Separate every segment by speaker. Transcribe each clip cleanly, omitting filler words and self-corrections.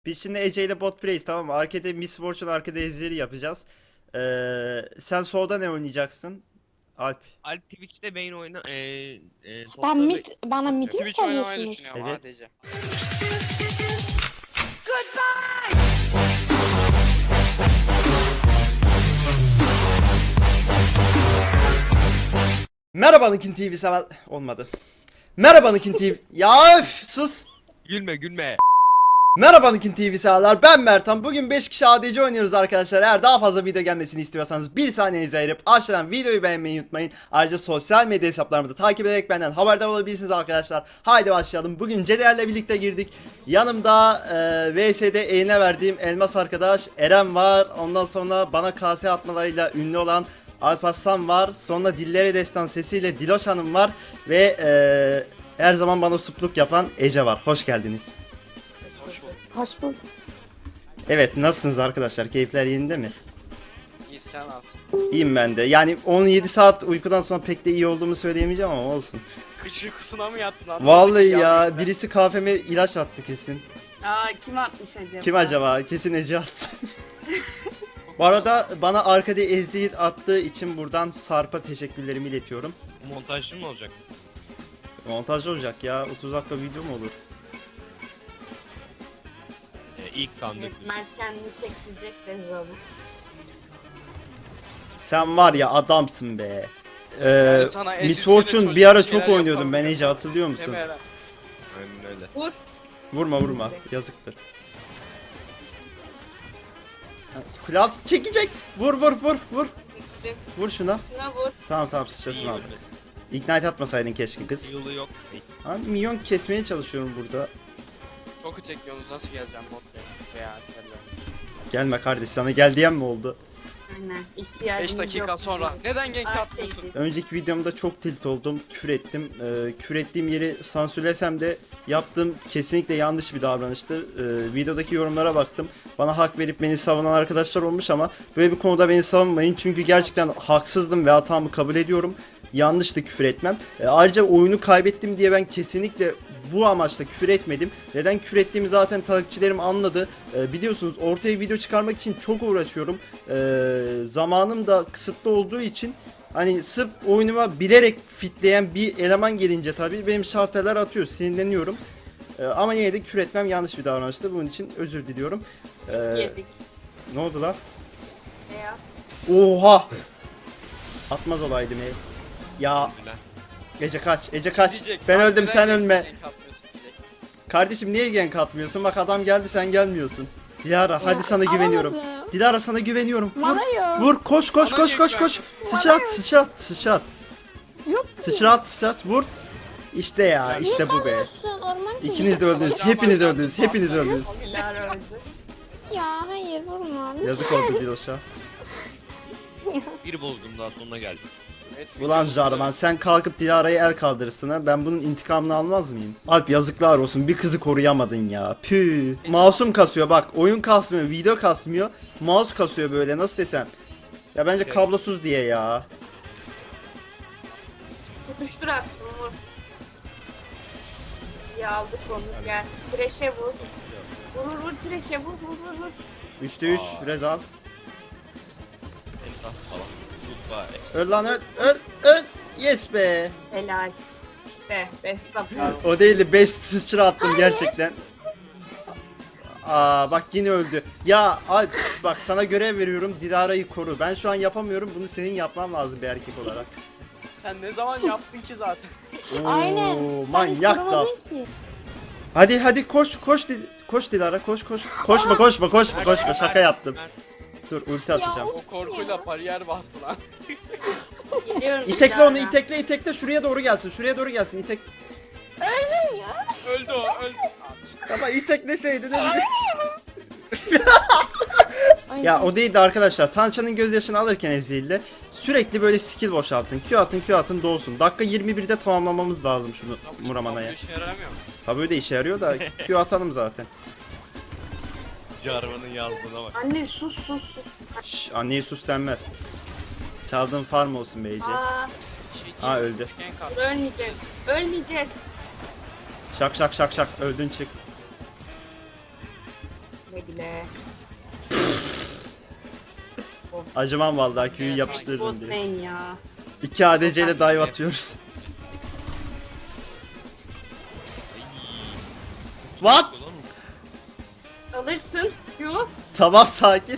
Speaker 1: Biz şimdi Ece ile bot plays, tamam mı? Arkada Miss Fortune, arkada Ezreal'i yapacağız. Sen solda ne oynayacaksın? Alp.
Speaker 2: Alp Twitch'te main oyna
Speaker 3: Ben
Speaker 2: topları
Speaker 3: bana midi mi
Speaker 4: Twitch oynamayı
Speaker 3: söylüyorsunuz?
Speaker 4: düşünüyorum
Speaker 1: Evet.
Speaker 4: ADC.
Speaker 1: Merhaba Nikin TV sever... Olmadı. Merhaba Nikin TV... Ya öf, sus!
Speaker 2: gülme.
Speaker 1: Merhaba Nikin TV severler, ben Mertan. Bugün 5 kişi ADC oynuyoruz arkadaşlar. Eğer daha fazla video gelmesini istiyorsanız bir saniyenizi ayırıp aşağıdan videoyu beğenmeyi unutmayın. Ayrıca sosyal medya hesaplarımı da takip ederek benden haberdar olabilirsiniz arkadaşlar. Haydi başlayalım. Bugün Ceder'le birlikte girdik. Yanımda VS'de eline verdiğim elmas arkadaş Eren var. Ondan sonra bana kase atmalarıyla ünlü olan Alparslan var. Sonra Dillere Destan sesiyle Diloş Hanım var. Ve her zaman bana supluk yapan Ece var. Hoş geldiniz.
Speaker 4: Hoş bulduk.
Speaker 3: Hoş bulduk.
Speaker 1: Evet, nasılsınız arkadaşlar? Keyifler yerinde mi?
Speaker 4: İyi sen alsın.
Speaker 1: İyiyim ben de. Yani 17 saat uykudan sonra pek de iyi olduğumu söyleyemeyeceğim ama olsun.
Speaker 4: Kış uykusuna mı yattın lan?
Speaker 1: Vallahi ya,
Speaker 4: Gerçekten.
Speaker 1: birisi kahveme ilaç attı kesin.
Speaker 5: Aa, kim atmış acaba?
Speaker 1: Kim acaba? Kesin Ece attı. Bu arada bana arkada ezdiği attığı için buradan Sarp'a teşekkürlerimi iletiyorum.
Speaker 2: Montajlı mı olacak?
Speaker 1: Montajlı olacak ya. 30 dakika video mu olur?
Speaker 2: İlk kan dökülür.
Speaker 5: Mert kendini çektirecek de olur.
Speaker 1: Sen var ya, adamsın be.
Speaker 4: Yani sana
Speaker 1: Miss
Speaker 4: ecisiyle
Speaker 1: Fortune
Speaker 4: çocuk
Speaker 1: bir ara
Speaker 4: şeyler
Speaker 1: çok oynuyordum
Speaker 4: yapalım
Speaker 1: ben
Speaker 4: dedim.
Speaker 1: Ece, hatırlıyor musun?
Speaker 4: Değil mi Eren?
Speaker 2: Aynen öyle.
Speaker 5: Vur.
Speaker 1: Vurma yazıktır. Kule altı çekecek. Vur.
Speaker 5: Gittim.
Speaker 1: Vur şuna.
Speaker 5: Şuna vur.
Speaker 1: Tamam sıçrasını
Speaker 2: İyi
Speaker 1: aldım.
Speaker 2: öldü.
Speaker 1: Ignite atmasaydın keşke kız.
Speaker 2: Yılı yok.
Speaker 1: Abi minyon kesmeye çalışıyorum burada.
Speaker 4: Çok çekiyorsunuz, nasıl geleceğim botla veya terler.
Speaker 1: Gelme kardeş, sana gel diyen mi oldu?
Speaker 5: Aynen. İhtiyacımız
Speaker 4: 5 dakika
Speaker 5: yok
Speaker 4: sonra.
Speaker 5: diye.
Speaker 4: Neden gank
Speaker 5: Art
Speaker 4: atmıyorsun?
Speaker 5: çekti.
Speaker 1: Önceki videomda çok tilt oldum, küfür ettim. Küfür ettiğim yeri sansürlesem de yaptığım kesinlikle yanlış bir davranıştı. Videodaki yorumlara baktım. Bana hak verip beni savunan arkadaşlar olmuş ama böyle bir konuda beni savunmayın. Çünkü gerçekten haksızdım ve hatamı kabul ediyorum. Yanlıştı küfür etmem. Ayrıca oyunu kaybettim diye ben kesinlikle bu amaçla küfür etmedim. Neden küfür ettiğimi zaten takipçilerim anladı. Biliyorsunuz ortaya video çıkarmak için çok uğraşıyorum. Zamanım da kısıtlı olduğu için hani sırf oyunuma bilerek fitleyen bir eleman gelince tabii benim şarteler atıyor, sinirleniyorum. Ama yine de küfür etmem yanlış bir davranıştı. Bunun için özür diliyorum.
Speaker 5: Yedik.
Speaker 1: Ne oldu lan?
Speaker 5: Ne ya?
Speaker 1: Oha! Atmaz olaydım ey. Ya
Speaker 2: Güzel.
Speaker 1: Ece kaç, Ece kaç.
Speaker 4: Diyecek,
Speaker 1: Ben
Speaker 4: abi
Speaker 1: öldüm,
Speaker 4: neden
Speaker 1: sen
Speaker 4: gank
Speaker 1: ölme.
Speaker 4: atmıyorsun diyecek.
Speaker 1: Kardeşim niye gank atmıyorsun? Bak adam geldi, sen gelmiyorsun. Dilara hadi sana güveniyorum.
Speaker 3: Alamadım.
Speaker 1: Dilara sana güveniyorum. Vur.
Speaker 3: Bana yok.
Speaker 1: Vur, koş
Speaker 4: Bana niye
Speaker 1: koş. Sıçrat.
Speaker 3: Yok ki.
Speaker 1: Sıçrat vur. İşte ya, işte bu be.
Speaker 3: Sen orman
Speaker 1: İkiniz de öldünüz.
Speaker 4: Hocam,
Speaker 1: Hepiniz
Speaker 4: hocam,
Speaker 1: öldünüz.
Speaker 4: hocam.
Speaker 1: Hepiniz öldünüz.
Speaker 5: Dilara öldü.
Speaker 3: Ya hayır vurma.
Speaker 1: Yazık oldu Diloş'a.
Speaker 2: Bir bozdum daha sonuna geldim.
Speaker 4: Evet,
Speaker 1: Ulan
Speaker 4: video-
Speaker 1: Jarvan, sen kalkıp Dilara'ya el kaldırırsın ha. Ben bunun intikamını almaz mıyım? Alp yazıklar olsun, bir kızı koruyamadın ya. Püh. Masum kasıyor bak. Oyun kasmıyor, video kasmıyor. Mouse kasıyor böyle, nasıl desem. Ya bence kablosuz diye ya.
Speaker 5: Tutuştur attım vur. İyi aldık onu gel. Treşe vur. Vur treşe vur.
Speaker 1: 3'te 3 Rezal.
Speaker 2: Entah falan. Goodbye.
Speaker 1: Öl lan öl. Yes be.
Speaker 5: Helal. İşte best of.
Speaker 1: O değil de best sıçra attım gerçekten. Aa bak yine öldü. Ya Alp bak, sana görev veriyorum, Dilara'yı koru. Ben şu an yapamıyorum, bunu senin yapman lazım bir erkek olarak.
Speaker 4: Sen ne zaman yaptın ki zaten?
Speaker 1: Oo,
Speaker 3: Aynen.
Speaker 1: manyak
Speaker 3: Sen
Speaker 1: laf.
Speaker 3: korumadın ki.
Speaker 1: Hadi koş Dilara koş. Koşma şaka yaptım. Dur ulti atacağım.
Speaker 4: O korkuyla bariyer bastı lan.
Speaker 5: Geliyorum.
Speaker 1: İtekle onu,
Speaker 5: Dilara.
Speaker 1: itekle şuraya doğru gelsin. İtek.
Speaker 4: Öldü o, öldü.
Speaker 1: Ama itekleseydin öldü.
Speaker 3: Ay,
Speaker 1: Ya o değildi arkadaşlar. Tança'nın gözyaşını alırken Ezreal'le sürekli böyle skill boşaltın. Q atın dolsun. Dakika 21'de tamamlamamız lazım şunu Muramana'ya.
Speaker 4: Bu işe yaramıyor mu?
Speaker 1: Tabii öyle işe yarıyor da Q atalım zaten.
Speaker 2: Jarvan'ın yazdığına bak.
Speaker 5: Anne sus.
Speaker 1: Şşş, anneye sus denmez. Çaldığın farm olsun be Ece.
Speaker 5: Aa,
Speaker 1: Aa, öldü.
Speaker 4: Üçgen kat.
Speaker 5: ölmeyeceğiz.
Speaker 1: Şak öldün çık.
Speaker 5: Güle güle.
Speaker 1: Acımam vallahi Q'yu
Speaker 4: Evet,
Speaker 1: yapıştırdım
Speaker 5: Bot
Speaker 1: diye.
Speaker 5: lane ya.
Speaker 1: 2 ADC ile dive atıyoruz. What?
Speaker 5: Alırsın. Yo.
Speaker 1: Tamam sakin.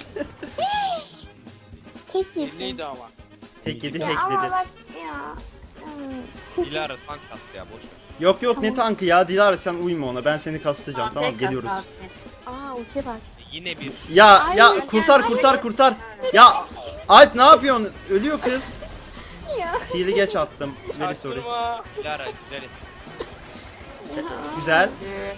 Speaker 3: Tek yedim.
Speaker 4: Elliydi ama.
Speaker 1: Tek yedi
Speaker 3: Ya ama
Speaker 1: hackledi.
Speaker 3: bak ya.
Speaker 2: Dilara tank attı ya boş ver.
Speaker 1: Yok yok ne
Speaker 3: Tamam.
Speaker 1: tankı ya Dilara sen uyma ona ben seni kastıracağım tamam
Speaker 5: Tek
Speaker 1: geliyoruz.
Speaker 5: at,
Speaker 3: Aa ultiye bak.
Speaker 2: Yine bir
Speaker 1: Ya
Speaker 3: Ay,
Speaker 1: ya
Speaker 3: sen-
Speaker 1: kurtar kurtar kurtar. Ya Alp ne yapıyorsun? Ölüyor kız.
Speaker 3: Ya.
Speaker 1: Heal'i geç attım. Very sorry.
Speaker 4: Çaktırma.
Speaker 2: Dilara güzel.
Speaker 1: Güzel.
Speaker 5: Ee,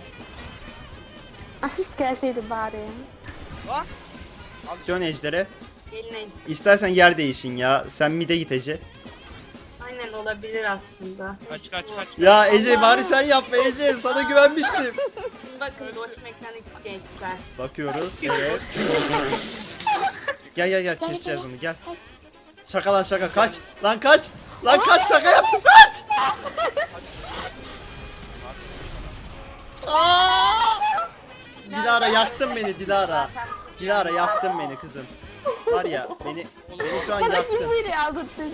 Speaker 3: Asist gelseydi bari.
Speaker 4: Lan.
Speaker 1: Dön ejdere.
Speaker 5: Gelin ejder.
Speaker 1: İstersen yer değişin ya. Sen mid'e git Ece.
Speaker 5: Aynen olabilir aslında.
Speaker 2: Kaç kaç kaç.
Speaker 1: Ya Ece bari sen yapma Ece. Sana güvenmiştim.
Speaker 5: Şimdi bakın Dodge Mechanics gençler.
Speaker 1: Bakıyoruz. Evet. Gel gel gel
Speaker 3: Gel,
Speaker 1: keseceğiz
Speaker 3: gel.
Speaker 1: onu gel. Şaka lan şaka kaç. Lan kaç. Lan kaç şaka yaptım kaç. Aa! Dilara yaktın beni Dilara. Dilara yaktın beni kızım. Var ya beni şu an
Speaker 3: Bana
Speaker 1: yaktın.
Speaker 3: kim böyle aldırttı?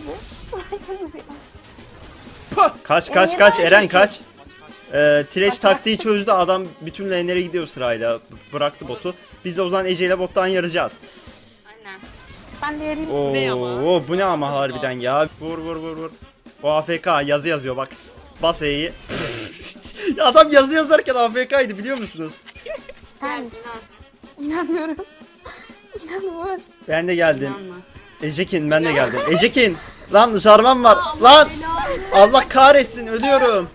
Speaker 1: Puh! Kaç kaç kaç Eren kaç. Thresh taktiği çözdü adam bütün lane'lere gidiyor sırayla. Bıraktı botu. Biz de o zaman Ece ile bottan yarayacağız.
Speaker 5: Aynen.
Speaker 3: Ben de yarayayım.
Speaker 4: ne ama?
Speaker 1: Oo bu ne ama harbiden ya. Vur vur vur vur. O AFK yazı yazıyor bak. Bas E'yi. Ya adam yazı yazarken AFK'ydı biliyor musunuz?
Speaker 5: Gel
Speaker 3: Sen
Speaker 5: inan.
Speaker 3: inanmıyorum. İnanmıyorum.
Speaker 1: Ben de geldim.
Speaker 5: İnanma.
Speaker 1: Ecekin ben de geldim. Ecekin. Lan jarvan var. Lan. Allah kahretsin ölüyorum.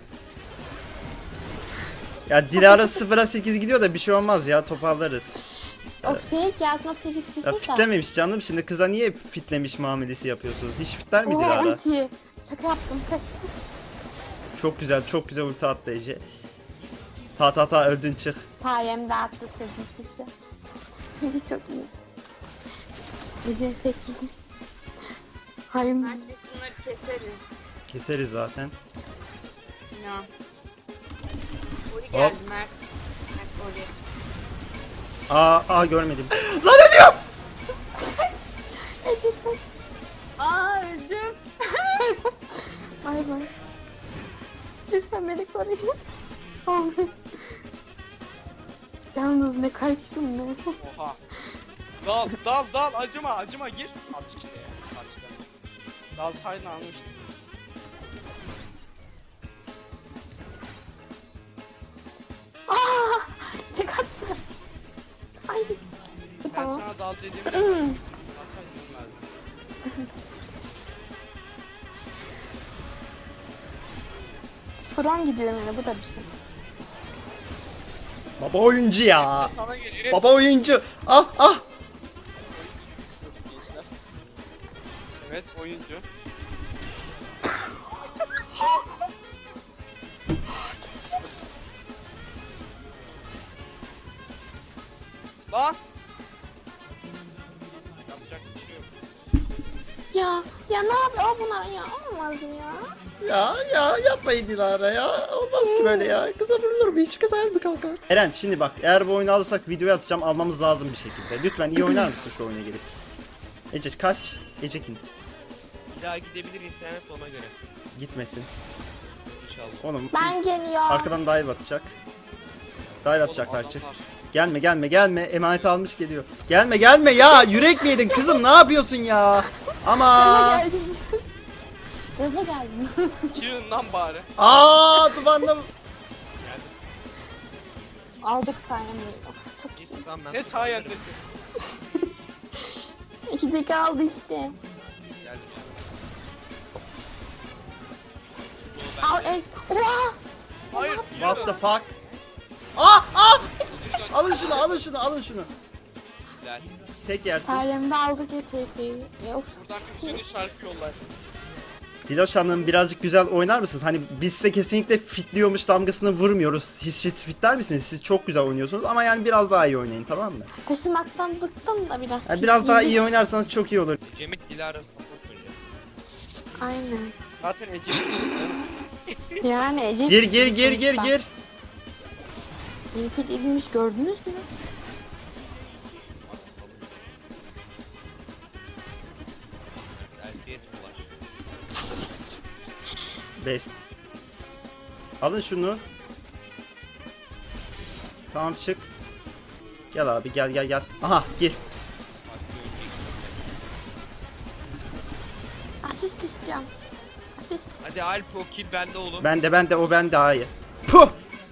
Speaker 1: Ya Dilara 0'a 8 gidiyor da bir şey olmaz ya toparlarız.
Speaker 3: O fake ya aslında 8
Speaker 1: Ya
Speaker 3: 0 da.
Speaker 1: fitlememiş canım şimdi kıza niye fitlemiş muamelesi yapıyorsunuz? Hiç fitler mi
Speaker 3: Oha
Speaker 1: Dilara?
Speaker 3: ulti. Şaka yaptım kaç.
Speaker 1: Çok güzel ulti attı Ece. Ta öldün çık.
Speaker 3: Sayemde attı kızım sizi. Çünkü çok iyi. Gece 8. Hayır.
Speaker 5: Mert biz bunları keseriz.
Speaker 1: Keseriz zaten.
Speaker 5: İnan. Ori geldi Mert. Mert Ori.
Speaker 1: Aa görmedim. Lan ölüyorum.
Speaker 3: Ece kaç.
Speaker 5: Aa öldüm.
Speaker 3: Bay bay. Lütfen beni koruyun. Amin. Yalnız ne kaçtım ben.
Speaker 4: Oha. Dal acıma gir. Al işte ya. Al işte. Dal sayını almıştım.
Speaker 3: Aa! Tek attı. Ay.
Speaker 4: Ben
Speaker 3: Tamam.
Speaker 4: sana dal dediğimde dal sayını verdim.
Speaker 3: Strong gidiyorum yani bu da bir şey.
Speaker 1: Baba oyuncu ya.
Speaker 4: Sana geliyor.
Speaker 1: Baba oyuncu. Ah.
Speaker 4: Gençler. Evet oyuncu. Lan! Yapacak bir şey yok.
Speaker 3: Ya ne yapıyor bunlar ya? Olmaz ya.
Speaker 1: Ya yapmayın Dilara ya. Olmaz ki böyle ya. Kıza vurulur mu? Hiç kıza mı kalkar? Eren şimdi bak eğer bu oyunu alırsak videoya atacağım almamız lazım bir şekilde. Lütfen iyi oynar mısın şu oyuna gelip? Ece kaç? Ecekin.
Speaker 2: Bir daha gidebilir internet ona göre.
Speaker 1: Gitmesin.
Speaker 2: İnşallah.
Speaker 1: Oğlum
Speaker 3: Ben geliyorum.
Speaker 1: arkadan dive atacak. Dive atacaklar
Speaker 4: Oğlum,
Speaker 1: çık.
Speaker 4: adamlar.
Speaker 1: Gelme emanet almış geliyor. Gelme ya yürek mi yedin kızım ne yapıyorsun ya?
Speaker 3: Gaza
Speaker 1: Ama
Speaker 3: geldim. Gaza geldim.
Speaker 4: Kirin lan bari.
Speaker 1: dumanla
Speaker 3: Aldık sayemde. Of, çok iyi.
Speaker 2: Git lan ben.
Speaker 4: Ne sayendesin?
Speaker 3: 2 dakika aldı işte.
Speaker 2: Geldim.
Speaker 3: Al es. Oha!
Speaker 4: Hayır.
Speaker 1: what the fuck? Alın şunu.
Speaker 2: Güzel.
Speaker 1: Tek yersin.
Speaker 3: Sayemde aldık ya TF'yi. Of.
Speaker 4: Buradan bir sürü şarkı yollar.
Speaker 1: Diloş Hanım birazcık güzel oynar mısınız? Hani biz size kesinlikle fitliyormuş damgasını vurmuyoruz. Siz fitler misiniz? Siz çok güzel oynuyorsunuz ama yani biraz daha iyi oynayın tamam mı?
Speaker 3: Taşımaktan bıktım da biraz.
Speaker 1: Yani biraz daha iyi oynarsanız çok iyi olur.
Speaker 2: Cemil Dilara support oynuyor.
Speaker 3: Aynen.
Speaker 4: Zaten Ece.
Speaker 3: Yani Ece...
Speaker 1: Gir.
Speaker 3: İyi fit edilmiş gördünüz mü?
Speaker 1: Best. Alın şunu. Tamam çık. Gel abi gel. Aha gir.
Speaker 3: Asist istiyorum. Asist.
Speaker 2: Hadi Alp o kill bende oğlum.
Speaker 1: Bende o bende hayır. Puh.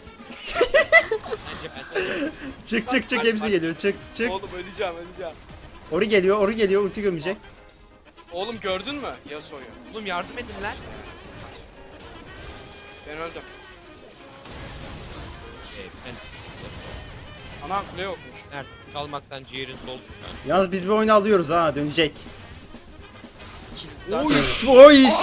Speaker 2: Bence ben.
Speaker 1: Çık hepsi geliyor çık.
Speaker 4: Oğlum öleceğim.
Speaker 1: Ori geliyor ulti gömecek.
Speaker 4: Oğlum gördün mü Yasuo'yu?
Speaker 2: Oğlum yardım edin lan.
Speaker 4: Ben öldüm.
Speaker 2: Ben
Speaker 4: Ana kule yokmuş.
Speaker 2: nerede? Çalmaktan ciğerin sol.
Speaker 1: Yalnız biz bir oyunu alıyoruz ha dönecek.
Speaker 4: Zaten
Speaker 1: Uf, o iş.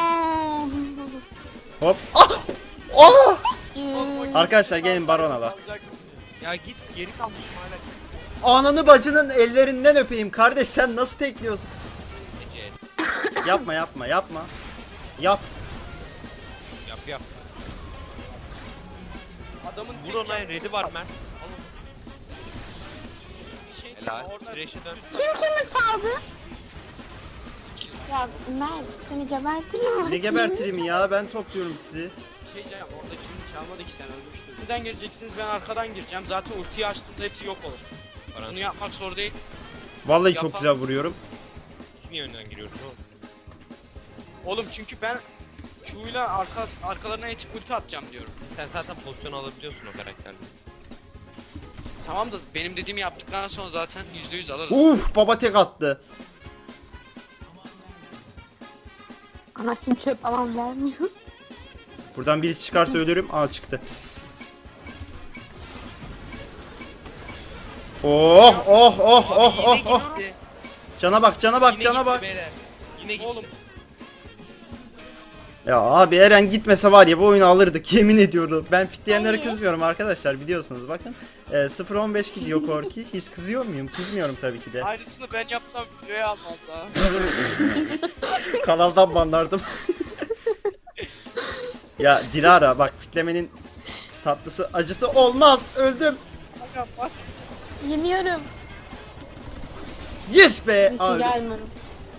Speaker 1: Hop. Ah! Ah! Arkadaşlar gelin Baron'a bak.
Speaker 2: Ya git geri kalmışım hala.
Speaker 1: Ananı bacının ellerinden öpeyim kardeş sen nasıl tekliyorsun?
Speaker 2: Ece
Speaker 1: Yapma. Yap.
Speaker 2: yap.
Speaker 4: Adamın
Speaker 2: Vur ona red'i var Mert.
Speaker 4: Bir şey
Speaker 2: Helal.
Speaker 4: orada
Speaker 2: Thresh'e dön.
Speaker 3: Kim kimi çaldı? Ya Mert seni gebertirim.
Speaker 1: Ne gebertireyim ya ben topluyorum sizi.
Speaker 4: bir şey diyeceğim. Orada kim çalmadı ki sen ölmüştün. Nereden gireceksiniz? Ben arkadan gireceğim. Zaten ultiyi açtığımda hepsi yok olur. Bunu yapmak zor değil.
Speaker 1: Vallahi çok
Speaker 4: Yapamaz.
Speaker 1: güzel vuruyorum.
Speaker 2: Niye önden giriyorsun oğlum?
Speaker 4: Oğlum çünkü ben Q'yla arkalarına geçip ulti atacağım diyorum.
Speaker 2: Sen zaten pozisyon alabiliyorsun o karakterle.
Speaker 4: Tamam da benim dediğimi yaptıktan sonra zaten %100 alırız.
Speaker 1: Uf baba tek attı.
Speaker 3: Anakin çöp alan vermiyor.
Speaker 1: Buradan birisi çıkarsa ölürüm. Aa çıktı. Oh.
Speaker 2: Gitti.
Speaker 1: Cana bak.
Speaker 2: Yine gitti beyler. Yine gitti.
Speaker 4: Oğlum
Speaker 1: Ya abi Eren gitmese var ya bu oyunu alırdık yemin ediyorum. Ben fitleyenlere
Speaker 3: Hayır.
Speaker 1: kızmıyorum arkadaşlar biliyorsunuz bakın. 0-15 gidiyor Korki. Hiç kızıyor muyum? Kızmıyorum tabii ki de.
Speaker 4: aynısını ben yapsam videoya almaz daha.
Speaker 1: Kanaldan banlardım. Ya Dilara bak fitlemenin tatlısı acısı olmaz. Öldüm.
Speaker 3: Yeniyorum.
Speaker 1: Yes be.
Speaker 3: Bir
Speaker 1: Abi.
Speaker 3: şey gelmiyorum.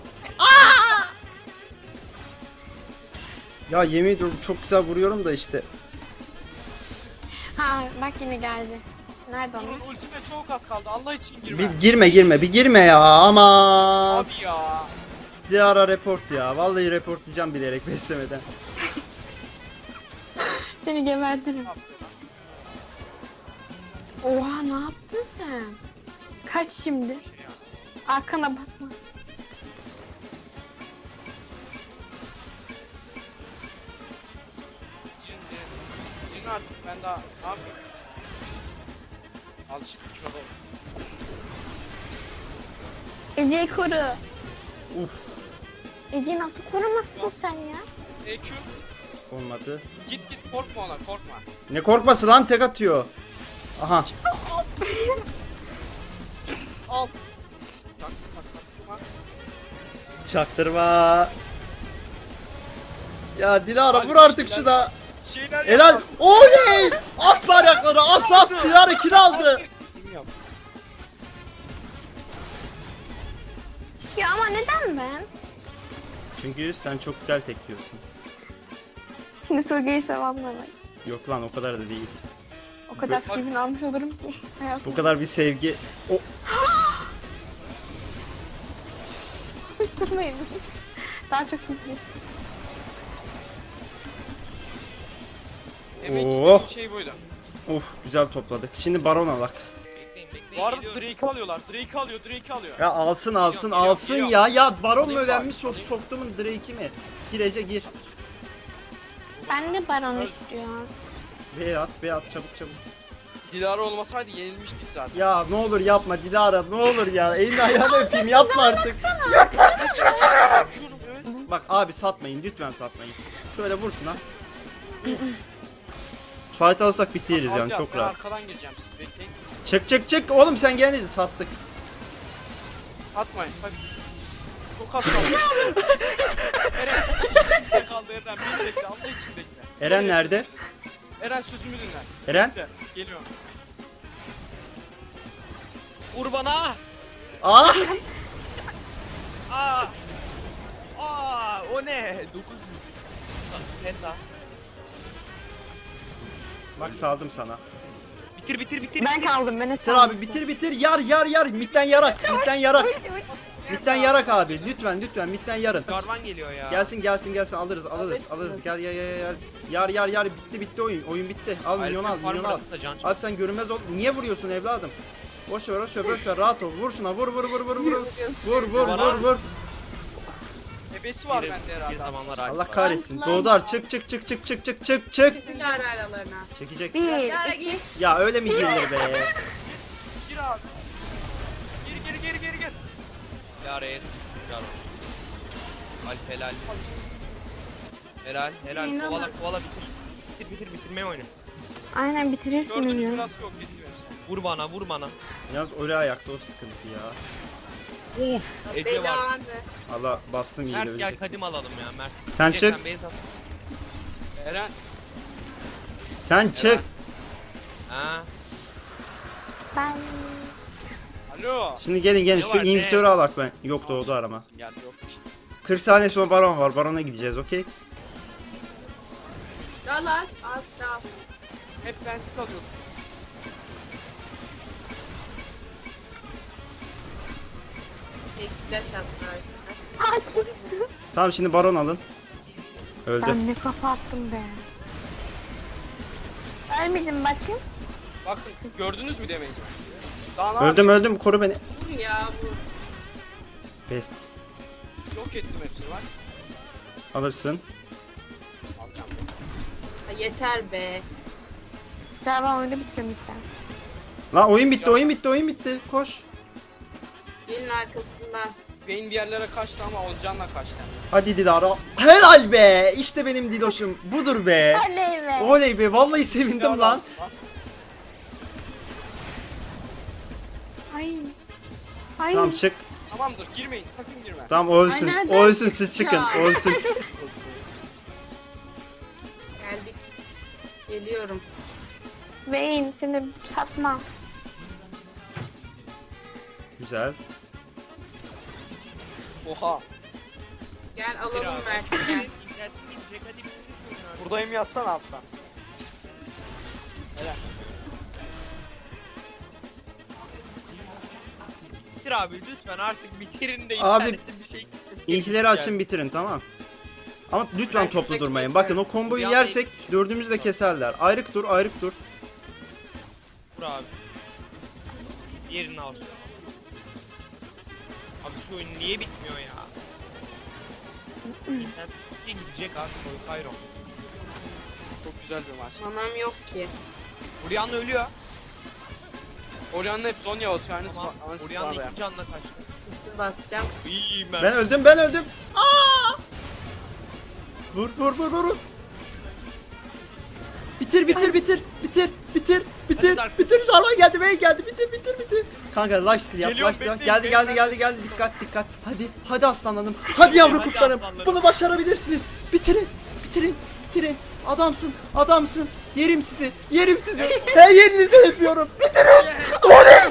Speaker 1: Ya yemin ediyorum çok güzel vuruyorum da işte.
Speaker 3: Ha bak yine geldi. Nerede
Speaker 4: Bunun
Speaker 3: onu?
Speaker 4: ultime çok az kaldı. Allah için girme.
Speaker 1: Bir girme ya aman.
Speaker 4: Abi ya.
Speaker 1: Dilara report ya. Vallahi reportlayacağım bilerek beslemeden.
Speaker 3: Seni gebertirim. Oha ne yaptın sen? Kaç şimdi? Arkana bakma.
Speaker 4: Yine artık ben daha ne yapayım? Al işte şuna bak.
Speaker 3: Ece'yi koru.
Speaker 1: Uf
Speaker 3: Ece'yi nasıl korumazsın sen ya?
Speaker 4: EQ
Speaker 1: olmadı.
Speaker 4: git korkma ona korkma.
Speaker 1: Ne korkması lan tek atıyor. Aha.
Speaker 4: Al. Tak.
Speaker 1: Çaktırma. Ya Dilara
Speaker 4: Abi,
Speaker 1: vur artık
Speaker 4: şeyler-
Speaker 1: şuna.
Speaker 4: Şeyler
Speaker 1: Helal.
Speaker 4: yap.
Speaker 1: Oley! As bayrakları as Dilara kill aldı.
Speaker 4: Kim yap?
Speaker 3: Ya ama neden ben?
Speaker 1: Çünkü sen çok güzel tekliyorsun.
Speaker 3: Şimdi Surge'yi sevenler.
Speaker 1: Yok lan o kadar da değil.
Speaker 3: O kadar
Speaker 4: Bak-
Speaker 3: filmin almış olurum ki.
Speaker 1: Bu kadar bir sevgi. O
Speaker 3: Kıştırmayın. Daha çok iyi.
Speaker 4: Demek
Speaker 1: Oh.
Speaker 4: istediğim şey buydu.
Speaker 1: Of güzel topladık. Şimdi Baron alak.
Speaker 2: Bekleyin
Speaker 4: Bu arada
Speaker 2: geliyorum.
Speaker 4: Drake'i alıyorlar. Drake'i alıyor.
Speaker 1: Ya alsın
Speaker 4: Geliyorum.
Speaker 1: ya. Ya Baron mu
Speaker 4: Alayım
Speaker 1: önemli
Speaker 4: bari, alayım.
Speaker 1: soktumun Drake'i mi? Girece gir.
Speaker 3: Ben de Baron istiyorum.
Speaker 1: B at çabuk.
Speaker 4: Dilara olmasaydı yenilmiştik zaten.
Speaker 1: Ya ne olur yapma Dilara ne olur ya. Elini ayağını öpeyim yapma artık.
Speaker 4: Yapıyorum evet.
Speaker 1: Bak abi satmayın lütfen satmayın. Şöyle vur şuna. Fight alsak bitiririz yani
Speaker 4: Alacağız,
Speaker 1: çok
Speaker 4: ben
Speaker 1: rahat.
Speaker 4: arkadan gireceğim siz bekleyin.
Speaker 1: Çık oğlum sen gelince sattık.
Speaker 4: Atmayın sakın. Çok az kaldı. Eren bir kaldı Eren. Beni bekle Allah için bekle.
Speaker 1: Eren nerede?
Speaker 4: Eren sözümü dinle.
Speaker 1: Eren?
Speaker 4: Bekle, geliyorum.
Speaker 2: Vur bana.
Speaker 1: Aa!
Speaker 2: Aa. O ne? 9 Penta.
Speaker 1: Bak saldım sana.
Speaker 2: Bitir.
Speaker 3: Ben kaldım. Ben
Speaker 1: Bitir abi bitir. Yar. Midden yarak. Midden yarak abi. Lütfen midden yarın.
Speaker 2: Jarvan geliyor ya.
Speaker 1: Gelsin alırız. Gel. Yar bitti oyun. Oyun bitti. Al milyon al. Abi sen görünmez ol. Niye vuruyorsun evladım? Boş ver. Rahat ol. Vur şuna. Vur. Vur.
Speaker 4: Ebesi var
Speaker 2: Bir
Speaker 4: bende herhalde.
Speaker 2: zamanlar
Speaker 1: Allah
Speaker 2: abi.
Speaker 1: kahretsin. Doğdar çık.
Speaker 5: Kesin ara aralarına.
Speaker 1: Çekecek.
Speaker 3: 1,
Speaker 5: Yara
Speaker 3: 2,
Speaker 5: git.
Speaker 1: Ya öyle mi girilir be?
Speaker 4: Gir abi. Gir.
Speaker 2: Yaraya Jarvan. Alp helal. Helal.
Speaker 5: İnanın.
Speaker 2: Kovala bitir. Bitirmeye oyna.
Speaker 3: aynen bitirirsiniz
Speaker 4: Gördüğünüz
Speaker 3: ya.
Speaker 4: sırası yok. Bilmiyorsun.
Speaker 2: Vur bana.
Speaker 1: Yalnız öyle ayakta o sıkıntı ya.
Speaker 2: Ece var.
Speaker 5: Belanı.
Speaker 1: Allah bastım iyi
Speaker 2: Mert
Speaker 1: de
Speaker 2: gel kadim alalım ya Mert.
Speaker 1: Sen
Speaker 2: Ece,
Speaker 1: çık.
Speaker 2: Sen base at.
Speaker 4: Eren.
Speaker 1: Sen çık.
Speaker 2: Ha.
Speaker 3: Ben
Speaker 4: Alo.
Speaker 1: Şimdi gelin
Speaker 2: Ne
Speaker 1: şu
Speaker 2: var be?
Speaker 1: invitörü alak ben. Yok doğdu arama.
Speaker 4: Geldi yok bir şey.
Speaker 1: 40 saniye sonra baron var. Barona gideceğiz okey.
Speaker 5: Dal at. At dal.
Speaker 4: Hep bensiz alıyorsun.
Speaker 5: Tek flash attı arkadaşlar.
Speaker 3: hakim.
Speaker 1: Tamam şimdi baron alın. Öldü.
Speaker 3: Ben ne kafa attım be. Ölmedim bakın.
Speaker 4: Bakın gördünüz mü demeyi? Daha ne
Speaker 1: Öldüm koru beni.
Speaker 5: Vur ya vur.
Speaker 1: Best.
Speaker 4: Yok ettim hepsini bak.
Speaker 1: Alırsın.
Speaker 4: Alacağım.
Speaker 5: Ha, yeter be.
Speaker 3: Jarvan oyunu bitiriyorum lütfen.
Speaker 1: Lan oyun bitti. Koş.
Speaker 5: Gelin arkasından.
Speaker 4: Beyin bir yerlere kaçtı ama Olcan'la kaçtı.
Speaker 1: Hadi Dilara. Helal be. İşte benim Diloş'um. Budur be.
Speaker 3: Oley be.
Speaker 1: Oley be. Vallahi sevindim lan.
Speaker 3: Ay. Ay.
Speaker 1: Tamam çık.
Speaker 4: Tamamdır girmeyin sakın girme.
Speaker 1: Tamam ölsün.
Speaker 5: Ay, nereden
Speaker 1: Ölsün siz çıkın.
Speaker 5: Ya.
Speaker 1: Ölsün.
Speaker 5: Geldik. Geliyorum.
Speaker 3: Vayne seni satma.
Speaker 1: Güzel.
Speaker 4: Oha.
Speaker 5: Gel
Speaker 2: Bitir
Speaker 5: alalım
Speaker 2: abi.
Speaker 5: Mert'i gel.
Speaker 4: Buradayım yazsana alttan. Helal.
Speaker 2: Bitir abi lütfen artık bitirin de
Speaker 1: Abi,
Speaker 2: internetten bir şey.
Speaker 1: İlkileri açın bitirin tamam. Ama lütfen
Speaker 5: Ben
Speaker 1: toplu
Speaker 5: şuradaki
Speaker 1: durmayın.
Speaker 5: ekmeği-
Speaker 1: Bakın o komboyu
Speaker 2: Bir
Speaker 1: yersek dördümüzü de keserler. Ayrık dur.
Speaker 2: Vur abi. Yerini al. Abi şu oyun niye bitmiyor ya? İnternet gidecek abi koy Kayro.
Speaker 4: Çok güzel bir maç.
Speaker 5: Manam yok ki.
Speaker 2: Orianna ölüyor.
Speaker 4: Orianna'nın hep Zonya atıyor. Aynısı
Speaker 2: Tamam.
Speaker 4: aynısı var
Speaker 2: Orianna
Speaker 4: ya.
Speaker 2: iki canla kaçtı.
Speaker 5: Üstü basacağım.
Speaker 2: İyiyim
Speaker 1: Ben öldüm. Aa! Vur. Bitir. Bitir. Jarvan geldi. Bey geldi. Bitir. Kanka life steal yap.
Speaker 4: Geliyorum,
Speaker 1: Life steal.
Speaker 4: bekleyin,
Speaker 1: Geldi. Dikkat. Hadi aslanlarım. Hadi yavru
Speaker 2: Hadi
Speaker 1: kurtlarım.
Speaker 2: aslanlarım.
Speaker 1: Bunu başarabilirsiniz. Bitirin. Adamsın. Yerim sizi. Her yerinizde yapıyorum. Bitirin. Oley!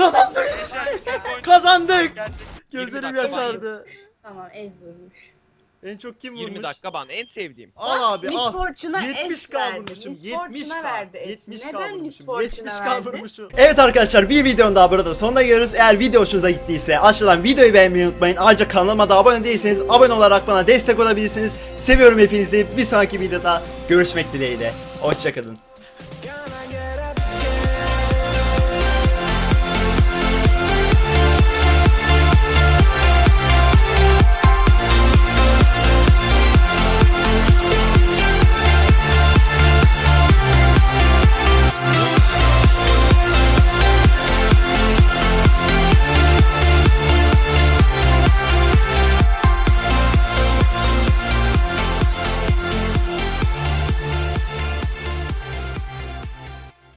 Speaker 1: Kazandık. Gözlerim
Speaker 2: dakika
Speaker 1: yaşardı.
Speaker 5: Tamam ez vurmuş.
Speaker 1: En çok kim
Speaker 2: 20
Speaker 1: vurmuş?
Speaker 2: dakika ban en sevdiğim.
Speaker 1: Al abi
Speaker 5: Miss
Speaker 1: al.
Speaker 5: Fortune'a
Speaker 1: 70
Speaker 5: es
Speaker 1: k
Speaker 5: verdi.
Speaker 1: vurmuşum.
Speaker 5: Miss
Speaker 1: 70
Speaker 5: Fortune'a
Speaker 1: k.
Speaker 5: verdi es.
Speaker 1: 70 k
Speaker 5: Neden Miss
Speaker 1: vurmuşum. 70
Speaker 5: Fortune'a
Speaker 1: k
Speaker 5: verdi?
Speaker 1: vurmuşum. Evet arkadaşlar bir videonun daha burada sonuna geliyoruz. Eğer video hoşunuza gittiyse aşağıdan videoyu beğenmeyi unutmayın. Ayrıca kanalıma da abone değilseniz abone olarak bana destek olabilirsiniz. Seviyorum hepinizi. Bir sonraki videoda görüşmek dileğiyle. Hoşçakalın.